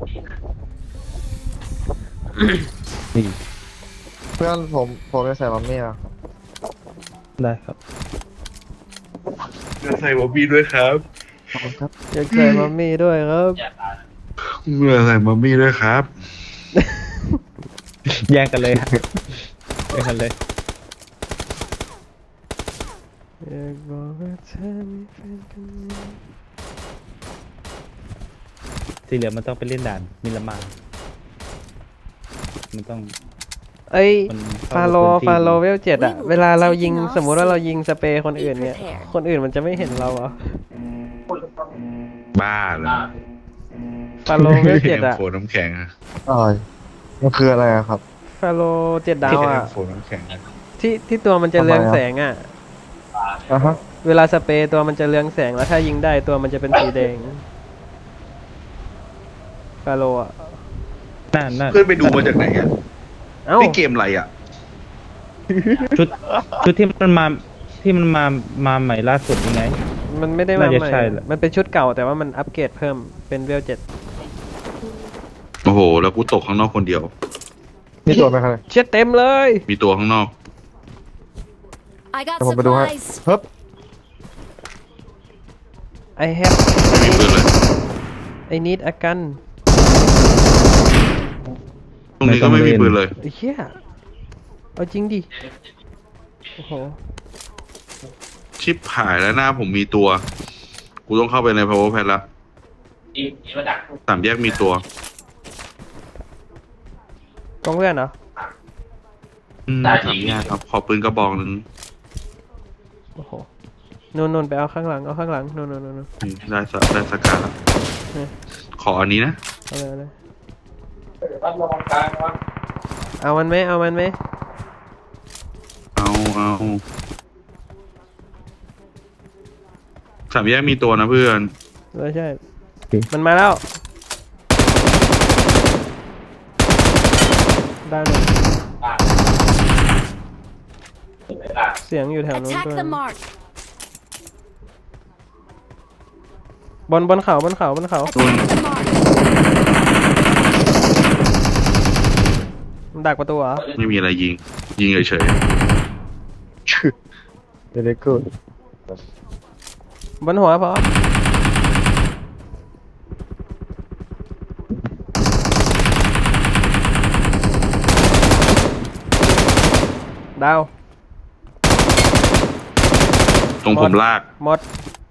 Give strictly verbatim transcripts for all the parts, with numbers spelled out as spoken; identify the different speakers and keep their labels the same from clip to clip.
Speaker 1: นี่
Speaker 2: เพื่อนผมผมจะใส่มัมมี่อะ
Speaker 1: ได้ครับ
Speaker 3: จะใส่บอบบี้ด้วยครับ
Speaker 2: ขอบคุณครับ
Speaker 4: อยากใส่มัมมี่ด้วยครับ
Speaker 3: เมื่อใส่บอบบี้ด้วยครับ
Speaker 1: แยกกันเลยฮะแยกกันเลย
Speaker 4: อยากบอกว่าเธอมีแฟนคนนี้
Speaker 1: ที่เหลือมันต้องไปเล่นด่านมิลลามามันต้อง
Speaker 4: เอ้ย
Speaker 1: มันเข้า
Speaker 4: ฟาโล
Speaker 1: พื้นที่
Speaker 4: ฟาโลเวลเจ็ดอะเวลาเรายิงสมมุติว่าเรายิงสเปรย์คนอื่นเนี่ยคนอื่นมันจะไม่เห็นเราเหรอ
Speaker 3: บ้าเลย
Speaker 4: ฟาโลเวลเจ็ดอะ
Speaker 3: โฟนน้ำแข็งอะ
Speaker 2: อะไรมันคืออะไรอะครับ
Speaker 4: ฟาโลเจ็ดดาวอะ
Speaker 3: โฟนน้ำแข็งอะ
Speaker 4: ที่ที่ตัวมันจะเรืองแสงอะ
Speaker 2: อ่ะฮะ
Speaker 4: เวลาสเปรย์ตัวมันจะเรืองแสงแล้วถ้ายิงได้ตัวมันจะเป็นสีแดงฟาโลอะ
Speaker 1: น่าน่า
Speaker 3: เพื่อนไปดูมาจากไหนอ่ะ
Speaker 4: เอ้า
Speaker 3: นี่เกมอะไรอ่ะ
Speaker 1: ชุดชุดที่มันมาที่มันมามาใหม่ล่าสุดยังไง
Speaker 4: มันไม่ได้มา
Speaker 1: น่าจะ
Speaker 4: ใหม่
Speaker 1: ใช่แหละ
Speaker 4: มันเป็นชุดเก่าแต่ว่ามันอัปเกรดเพิ่มเป็นเวลเจ็ด
Speaker 3: โอ้โห แล้วกูตกข้างนอกคนเดียว
Speaker 2: มีตัวไหมครับ
Speaker 4: เช็ดเต็มเลย
Speaker 3: มีตัวข้างนอก
Speaker 5: I got
Speaker 2: เดี๋ยวผมไปดูให้
Speaker 5: supplies.
Speaker 2: เฮ้ย
Speaker 4: I have
Speaker 3: ไม่มีปืนเลย
Speaker 4: I need a gun
Speaker 3: ตรงนี้ก็ไม่มีปืนเลย
Speaker 4: ไอ้เหี้ยเอาจริงดิ โอ้โห
Speaker 3: ชิปหายแล้วหน้าผมมีตัว กูต้องเข้าไปใน power pad ละสามแยกมีตัว
Speaker 4: กองเพื่อนเหรอ
Speaker 3: อืมสามแยกครับ ขอปืนกระบอกหนึ่ง
Speaker 4: โอ้โหนูนนูนไปเอาข้างหลัง เอาข้างหลังนูนนูนนูนนูน
Speaker 3: นี่ได้สได้สกาละขออันนี้นะ
Speaker 4: เอาเลยเอาเลยเอามันไหมเอามันไหม
Speaker 3: เอาเอาสามแยกมีตัวนะเพื่อน
Speaker 4: ไม่ใช่ มันมาแล้วดาวหนึ่งเสียงอยู่แถวนู้น
Speaker 5: Attack
Speaker 4: ด้วย
Speaker 5: the mark.
Speaker 4: บนบนเขาบนเขาบนเขา
Speaker 5: Attack the mark.
Speaker 4: มันดักประตูเหรอ
Speaker 3: ไม่มีอะไรยิง ยิงเฉย
Speaker 2: เดี๋ยวกูด
Speaker 4: บนหัวพอดาว
Speaker 3: ๆตรงผมลาก
Speaker 4: หมด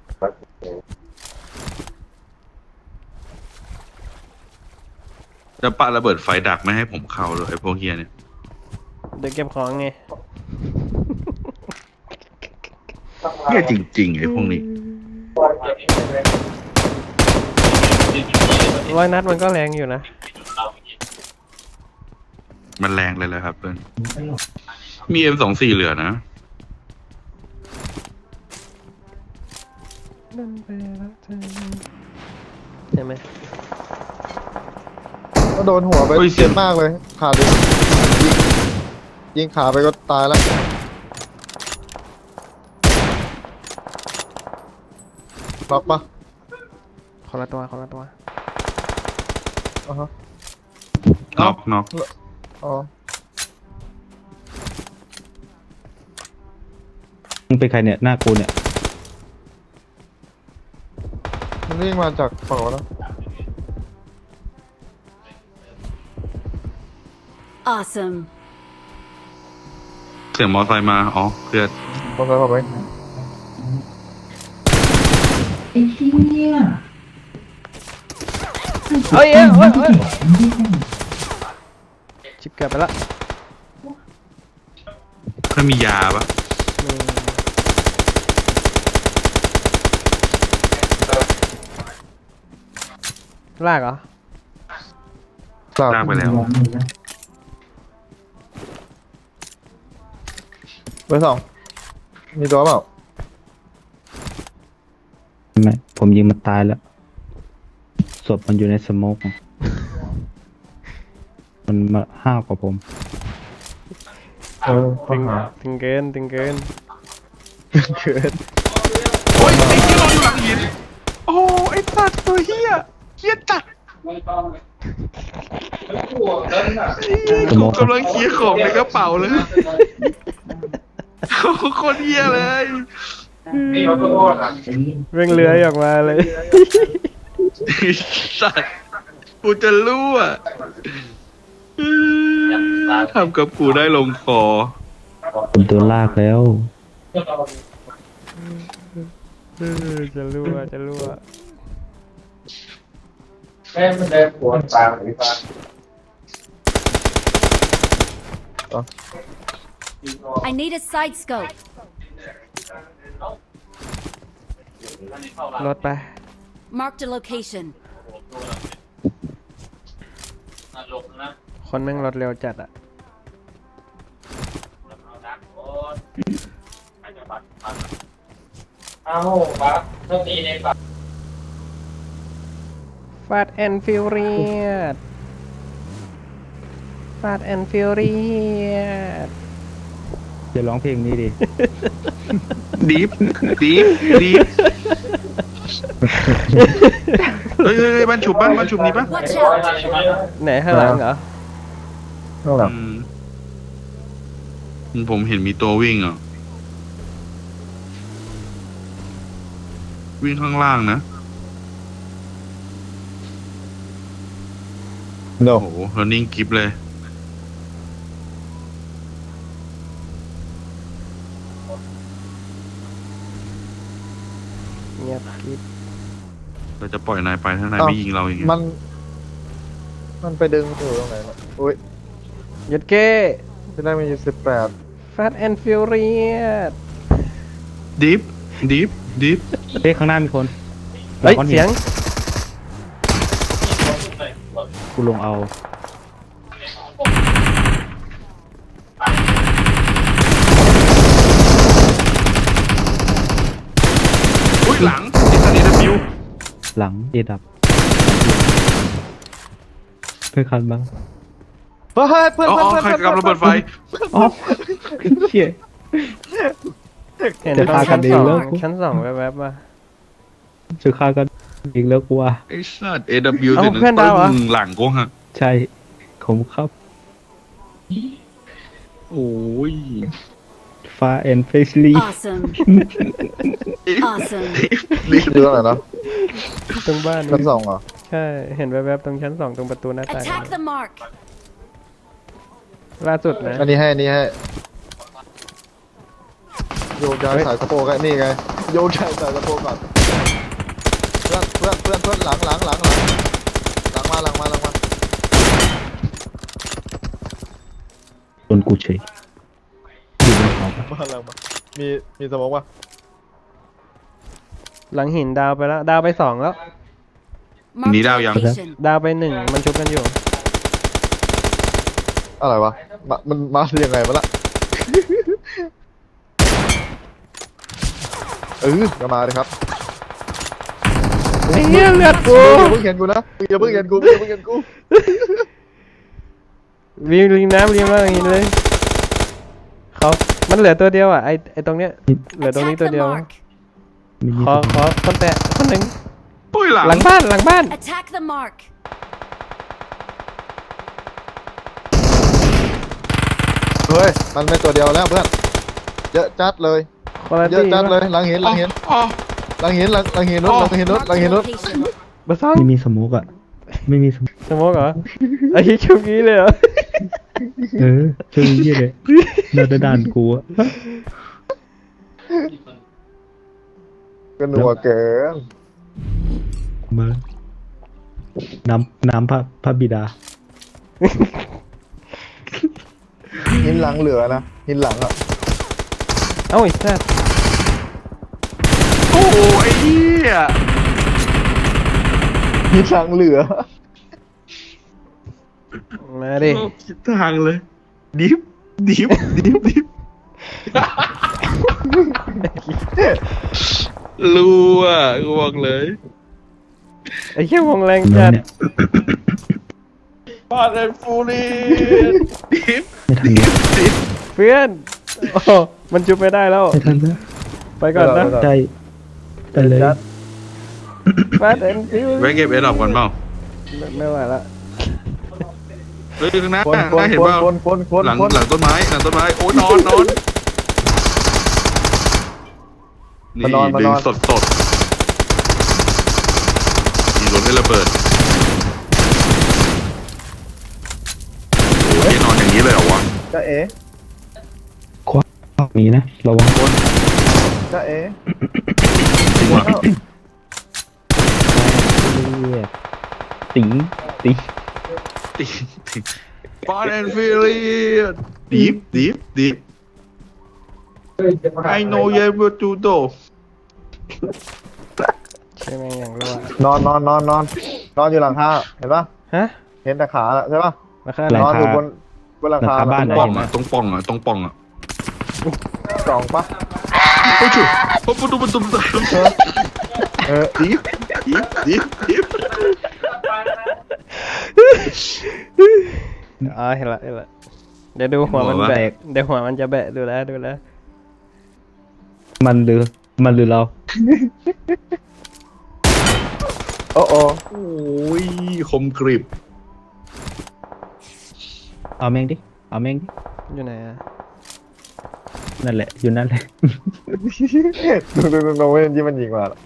Speaker 3: จะปาระเบิดไฟดักไม่ให้ผมเข้าเลยไอ้พวกเฮียเนี่ย
Speaker 4: เดี๋ยวเก็บของไง
Speaker 3: เฮียจริงๆไอ้พวกนี้
Speaker 4: ร้อยนัดมันก็แรงอยู่นะ
Speaker 3: มันแรงเลยแหละครับเพื่อนมี เอ็ม สองสิบสี่ เหลือนะ
Speaker 4: ใช่ไหม
Speaker 2: ก็โดนหัวไป
Speaker 3: เฮ้ยเสี
Speaker 2: เจ็
Speaker 3: ยง
Speaker 2: บมากเลยขาดิยิงยิงขาไปก็ตายแล้วล็อกปะ
Speaker 4: คนละตัวคนละตัว
Speaker 2: อ่ะฮะ
Speaker 3: น็อกน็อก
Speaker 2: อ๋อ
Speaker 1: มึงเป็นใครเนี่ยหน้ากูเนี่ย
Speaker 2: มันวิ่งมาจากฝั่งโน้นนะ
Speaker 5: Awesome.
Speaker 3: เสียงมอไซค์มา อ๋อเพื่อน
Speaker 2: มอเตอร์ไซค์ผมเอง
Speaker 6: ไอ้เหี้ย
Speaker 4: เฮ้ยเอ้ยเฮ้ยเฮ้ยชิบเกือบไปละ
Speaker 3: เพื่อนมียาปะ
Speaker 4: อืมลากเหรอ
Speaker 2: กลับ
Speaker 3: ลากไปแล้ว
Speaker 2: เบอร์สองมีตัวเปล่า
Speaker 1: ไม่ ผมยิงมันตายแล้วศพมันอยู่ในสโมกมันมาห้าวกว่าผม
Speaker 2: เออข้อหา
Speaker 4: ถึงเกินถึงเกิน
Speaker 2: เกิด
Speaker 3: โอ้ยไอ้เฮียนอนอยู่หลังหิน โอ้ไอ้สัตว์ตัวเฮียเฮียจัดกูกำลังเคลียร์ของในกระเป๋าเลยโคตรเหี้ยเลย
Speaker 4: เร่งเลื้อยออกมาเลย
Speaker 3: สัตว์กูจะรู้อ่ะทำกับกูได้ลงคอ
Speaker 1: ผมตัวลากแล้ว
Speaker 4: เออจะรั่วจะรั่ว
Speaker 5: I need a side scope.
Speaker 4: รถไป
Speaker 5: Marked a location.
Speaker 4: คนแม่งรถเร็วจัดอะฟาดแอนฟิวเรียดฟาดแอนฟิวเรียด
Speaker 1: จะร้องเพลงนี้ดิ
Speaker 3: ดีฟดีฟดีฟเฮ้ยเฮ้ยเฮ้ยบ้านฉุบบ้านบ้านฉุบนี่ปะ
Speaker 5: Watch out!
Speaker 4: ไหนข้างหลังเหรอ
Speaker 2: ข้างหลัง
Speaker 3: อืมผมเห็นมีตัววิ่งอ่ะ วิ่งข้างล่างนะ
Speaker 2: โน
Speaker 3: โอ้โหแล้วนิ่งกิฟเลย
Speaker 4: เงียบกริบ
Speaker 3: เราจะปล่อยนายไปถ้านาย
Speaker 2: อ้าว
Speaker 3: ไม่ยิงเราอย่างเงี้ย
Speaker 2: มัน มันไปดึงอยู่ตรงไหนนะอุ้ย
Speaker 4: หยุดเก้
Speaker 2: ที่แรกมันอยู่สิบแปด
Speaker 4: ฟาดแอนฟิวเรียด
Speaker 3: ดีฟดีฟดีฟ
Speaker 1: เฮ้ยข้างหน้ามีคน
Speaker 4: เฮ้ย
Speaker 1: ก้อนหิน
Speaker 4: เสียง
Speaker 1: กูลงเอา
Speaker 3: อุ้ยหลังไอ้สัตว์นี่ดับบิว
Speaker 1: หลังเอดับเพื่อนคันบ้าง
Speaker 2: เฮ้ยเพื่อน
Speaker 3: อ๋อ
Speaker 2: เพื่อน
Speaker 3: ใคร
Speaker 2: เพื่อน
Speaker 3: กำระเบิดไฟ
Speaker 1: อ๋อเชี่ย
Speaker 4: เห็น
Speaker 1: จะ
Speaker 4: ตรง
Speaker 1: พากั
Speaker 4: ชั้
Speaker 1: น
Speaker 4: น
Speaker 1: ดี
Speaker 4: สอง
Speaker 1: แล้ว
Speaker 4: ชั้นสองแวบๆมา
Speaker 1: จะฆ่ากันอีกแล้วกูว่า
Speaker 3: ไอ้สัตว์ เอ ดับเบิลยู
Speaker 4: เอ้า
Speaker 3: เสร็จ
Speaker 4: เพื่อนดาวเหรอ
Speaker 3: ตึ้งหลังกูฮะ
Speaker 1: ใช่ผมครับ
Speaker 3: โอ้ย
Speaker 1: ฟ้าแอนเฟสลี
Speaker 5: Awesome. Awesome.
Speaker 2: ดูตรงไหนเนาะ
Speaker 4: ตรงบ้าน
Speaker 2: ชั้นสองเหรอ
Speaker 4: ใช่ เห็นแวบๆตรงชั้นสองตรงประตูหน้าต่าง
Speaker 5: Attack the mark.
Speaker 4: ล่าสุดนะ
Speaker 2: อันนี้ให้อันนี้ให้โยกย้ายสายสะโพกไอ้นี่ไงโยกย้ายสายสะโพกก่อนเพื่อนเพื่อนเพื่อนเพื่อนหลังหลังหลังหลังหลังมาหลังมาหลังมา
Speaker 1: โดนกูเฉยอยู่บนเขาปะ
Speaker 2: มาหลังมามีมีสมองปะ
Speaker 4: หลังหินดาวไปแล้ว ดาวไปสองแล้ว
Speaker 5: Marked
Speaker 3: Need
Speaker 5: a
Speaker 3: out, young.
Speaker 5: location.
Speaker 4: ดาวไปหนึ่งมันชุบกันอยู่
Speaker 2: อะไรวะมามันมายังไงมาละเออจะมาเลยครับ
Speaker 4: ไอ้เหี้ยเลือดกู
Speaker 2: อย่าเพิ่งเห็นกูนะอย่าเพิ่งเห็นกูอย่าเพิ่งเห็นกู
Speaker 4: วิวริมน้ำริมน้ำหินเลยเขามันเหลือตัวเดียวอ่ะ ไอไอตรงเนี้ย เหลือตรงนี้
Speaker 5: Attack
Speaker 4: ตัว
Speaker 5: the
Speaker 4: เดียว
Speaker 5: mark.
Speaker 1: มีมี
Speaker 4: ขอขอคนแตะคนหนึ่ง
Speaker 3: ปุ้ยหลัง
Speaker 4: หลังบ้านหลังบ้าน
Speaker 5: Attack the mark.
Speaker 2: เฮ้ยมันไม่ตัวเดียวแล้วเพื่อนเยอะจัดเลย
Speaker 4: คนละ
Speaker 2: เยอะ
Speaker 4: ที่
Speaker 2: จัดเลยหลังหินหลังหิน
Speaker 3: อ๋อ
Speaker 2: หลังหินหลังหลังหินนู้นหลังหินนู้น
Speaker 5: Marked
Speaker 2: หลัง
Speaker 5: a
Speaker 2: หินนู้น
Speaker 5: location.
Speaker 4: เบอร์สอง
Speaker 1: ไม่มีสโมุกอ่ะ ไม่มีสโมุก
Speaker 4: สโมกเหรอ ไอ้ชุบงี้เลยเหรอ
Speaker 1: เออช่วยยี่เลยน่าจะด่านกูอะ
Speaker 2: ก็นัวเกิน
Speaker 1: มา น้ำน้ำพระพระบิดา
Speaker 2: หินหลังเหลือนะหินหลังอ่ะ
Speaker 4: เอ้าไอ้สัส
Speaker 3: โอ้โหไอ้เหี้ย
Speaker 2: หินหลังเหลือ
Speaker 4: มาดิ
Speaker 3: โลกคิดทางเลย ดิฟดิฟดิฟดิฟรู้อ่ะกูบอกเลย
Speaker 4: ไอ้เหี้ยวงแรง
Speaker 1: แล้
Speaker 4: จั
Speaker 1: ว
Speaker 4: ด
Speaker 1: เนี่ย
Speaker 3: ฟาดแอนฟูรีดิฟ
Speaker 1: ไม่ทัน
Speaker 3: ดิ
Speaker 1: แล้ว
Speaker 3: ฟดิฟ
Speaker 4: เพื่อน โอ้มันจุบไม่ได้แล้ว
Speaker 1: ไม่ทันแล้ว
Speaker 4: ไปก่อนนะ
Speaker 2: ไม่ได้
Speaker 1: ใจไปเลย
Speaker 2: จัด
Speaker 4: ฟาดแอนฟิว
Speaker 3: ไว้เก็บเอดอปก่อนเปล่า
Speaker 4: ไม่ไม่ไหวละ
Speaker 3: เฮ้ยข้างหน้า
Speaker 2: คน
Speaker 3: ข้าง
Speaker 2: ค
Speaker 3: หน้าน เห็น
Speaker 2: คน
Speaker 3: เปล่า
Speaker 2: คนคนคน
Speaker 3: หลัง
Speaker 2: คน
Speaker 3: หลังต้นไม้หลังต้นไม้โอ้นอนนอนนี่
Speaker 2: มานอนมา
Speaker 3: ดึ
Speaker 2: น
Speaker 3: ง
Speaker 2: อน
Speaker 3: สดสดมีรถให้ระเบิดโอ้ยนอนอย่างนี้เลยเหรอวะ
Speaker 2: จ้าเอ๋
Speaker 1: มีนะระวัง
Speaker 2: จ้าเอ๋
Speaker 3: จริงวะ
Speaker 1: ติ๋งติ๋ง
Speaker 3: ตีตีฟอนแอนฟิลิสดีฟดีฟดีฟ I know you will do though
Speaker 4: ใช่ไหมงอย่างรู้อะ
Speaker 2: นอนนอนนอนนอนนอนอยู่หลังคาเห็นปะ
Speaker 4: ฮะ
Speaker 2: เห็นแต่ขาใช่ปะ
Speaker 4: ราคาอะไร
Speaker 2: นอนอยู่บนบนหลังคา
Speaker 3: ตรงป่องอ่ะตรงป่องอ่ะตรงป่องอ่ะ
Speaker 2: สองปะ
Speaker 3: โอ้ยจุ๊บปุ๊บปุ๊บปุ๊บปุ๊บปุ๊บ
Speaker 2: เออ
Speaker 3: ดีฟดีฟดีฟดีฟ
Speaker 4: อ๋อเห็นละเห็นละเดี๋ยวดูหัวมันแบกเดี๋ยวหัวมันจะแบะดูแลดูแล
Speaker 1: มันหรือมันหรือเรา
Speaker 2: โอ้โอ้
Speaker 3: โอ้ยคมกริบ
Speaker 1: เอาแม่งดิเอาแม่งดิ
Speaker 4: อยู่ไหนอะ
Speaker 1: นั่นแหละอยู่นั่นแหละ
Speaker 2: ดูดูดูดูเว้ยที่มันยิงมาแล้ว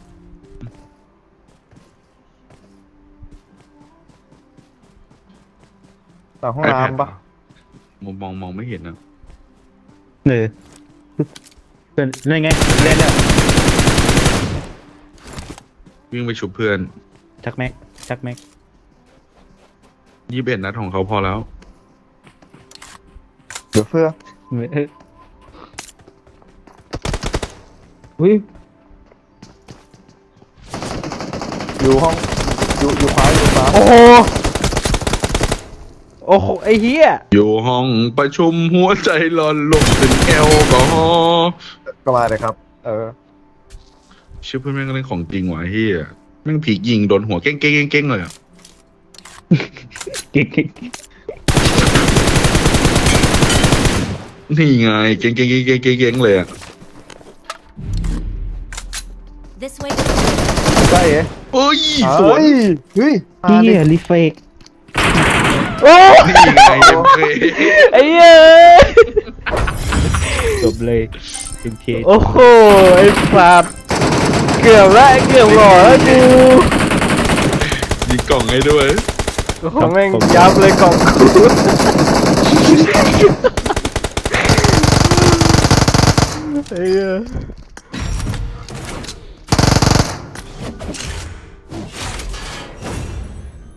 Speaker 2: หลังห้องน้ำปะ
Speaker 3: มองมองมองไม่เห็นนะ
Speaker 1: เออเป็นนั่นไงเล่นแล้ว
Speaker 3: วิ่งไปฉุบเพื่อน
Speaker 1: ชักแม็กชักแม็ก
Speaker 3: ยี่สิบเอ็ดนัดของเขาพอแล้ว
Speaker 2: เดี๋ยวเพื่อ
Speaker 1: เอออุ้ย
Speaker 2: อยู่ห้องอยู่อยู่ขวาอยู่ขวา
Speaker 4: โอ้โหโอ้โหไอ้เหี้ย
Speaker 3: อยู่ห้องประชุมหัวใจหลอนลงเป็นแอลกอฮอล์
Speaker 2: ก็มาเลยครับ เออ
Speaker 3: ชื่อเพื่อนแม่งก็เล่นของจริงว่ะเฮียแม่งผียิงโดนหัวเก้งเก้งเก้งเก้งเลยอะ
Speaker 1: เก่ง
Speaker 3: นี่ไงเก้งเก้งเก้งเก้งเก้งเก้งเลยอะ
Speaker 5: This way.
Speaker 2: ใช่เอ๋
Speaker 3: เอ้ยสวน
Speaker 2: เฮ้ย
Speaker 1: ๆเฮียรีเฟก
Speaker 4: โอ้
Speaker 3: นี่ไงเอ็มเค
Speaker 4: ไอ้เหี้ย
Speaker 1: จบเลยเอ็มเค
Speaker 4: โอ้โหไอ้สัตว์เกือบละเกือบหล่อแล้วกู
Speaker 3: ยิงกล่องให้ด้วย
Speaker 4: โอ้โหแม่งยับเลยกล่องกูไอ้เหี้ย